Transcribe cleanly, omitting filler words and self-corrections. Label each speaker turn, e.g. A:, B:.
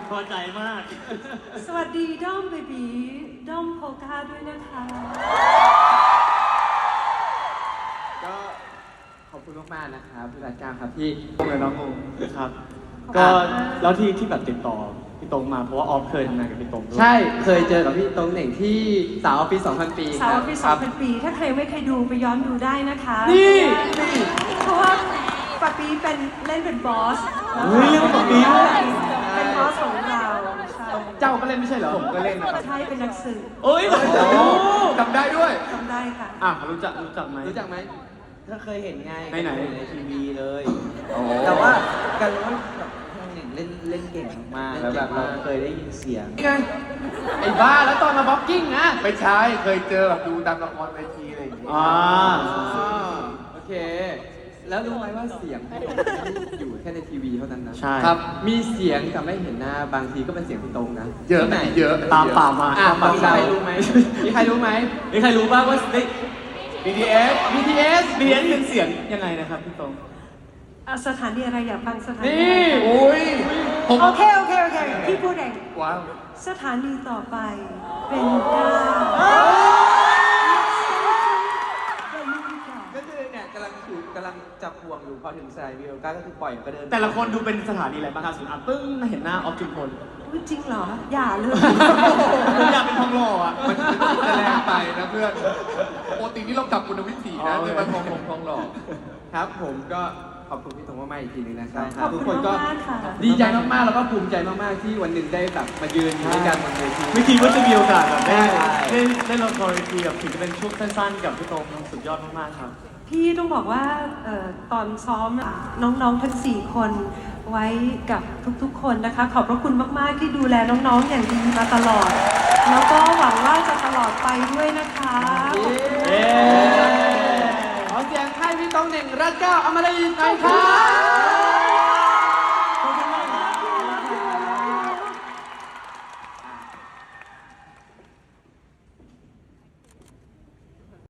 A: พอใจมาก
B: สวัสดีด้อมเบบีด้อมโพก้าด้วยนะคะ
C: ก็ขอบคุณมากๆนะครับพี่รัตการครับที่เลยน้องง
A: ครับก็แล้วที่แบบติดต่อพี่ตรงมาเพราะว่าออฟเคยทำงานกับพี่ตรงด้วย
C: ใช่เคยเจอกับพี่ตรงเหน่งที่สาวออฟฟิศ2,000 ปี
B: สาวออฟฟิศ2,000 ปีถ้าใครไม่เคยดูไปย้อนดูได้นะคะ
C: นี่
B: เพราะว่าปะปีเป็นเล่นเป็นบอส
A: เรื่องปะปี
B: เป็นบอสของเรา
C: เจ้าก็เล่นไม่ใช่เหรอผมก็เล่น
B: ใช่เป็นนักสืบ
A: โอ้ย
C: จำได้ด้วย
B: จำได้ค่ะ
A: รู้จักไหม
C: ก็เคยเห็นไง
A: ไหน
C: ในทีวีเลยแต่ว่ากันรู้ว่าแบบเล่นเก่งมากแล้วแบบเราเคยได้ยินเสียงไอ้บ้าแล้วตอนมาบ็อกกิ้งนะ
D: ไม่ใช่เคยเจอแบบดูตามละครเวทีอะไรอย่างเงี้ย
C: โอเคแล้วรู้ไหมว่าเสียงพี่ตรงอยู่แค่ในทีวีเท่านั้นนะ
A: ใช่
C: ครับมีเสียงแต่ไม่เห็นหน้าบางทีก็เป็นเสียงพี่ตรงนะ
D: เยอะไหนเยอะ
A: ตามป่ามา
C: มีใครรู้ไหมมีใครรู้บ้างว่า
D: BTS
A: เป็นเสียงยังไงนะครับพี่ตรง
B: สถานีอะไรอยากฟังสถานี
C: นี่
D: โอ้ย
B: โอเคพี่พูดเอง
D: ว้าว
B: สถานีต่อไปเป็นดาว
C: ก็คือเนี่ยกำลังจับห่วงอยู่พอถึงสายวิวก้าก็คือปล่อยก็เดิน
A: แต่ละคนดูเป็นสถานีอะไรบ้างครับสุดปึ้งเห็นหน้าออฟจุมพล
B: จริงเหรออย่าเลย
A: ผมอยากเป็นทองหล่ออ่ะ
D: มันจะแรงไปนะเพื่อนปกตินี่เรากลับคุณวิถีนะจะมาทองหล่อ
C: ครับผมก็ขอบคุณพี่ตรงมากๆอีกทีนึงนะครับ
B: ทุกคนก็
C: ดีใจมากๆแล้วก็ภูมิใจมากๆที่วันหนึ่งได้แบบมายืนด้วยกันบนเวที
A: ไม่คิดว่าจะมีโอกาสแบบได้เล่นละครเวทีแบบถึงจะเป็นช่วงสั้นๆกับพี่ตรงสุดยอดมากๆครับ
B: พี่ต้องบอกว่าตอนซ้อมน้องๆทั้ง4 คนไว้กับทุกๆคนนะคะขอบพระคุณมากๆที่ดูแลน้องๆอย่างดีมาตลอดแล้วก็หวังว่าจะตลอดไปด้วยนะคะ
C: ขอเสียงให้พี่ตรงเหน่งรัตเก้าอมรินทร์หน่อยครับ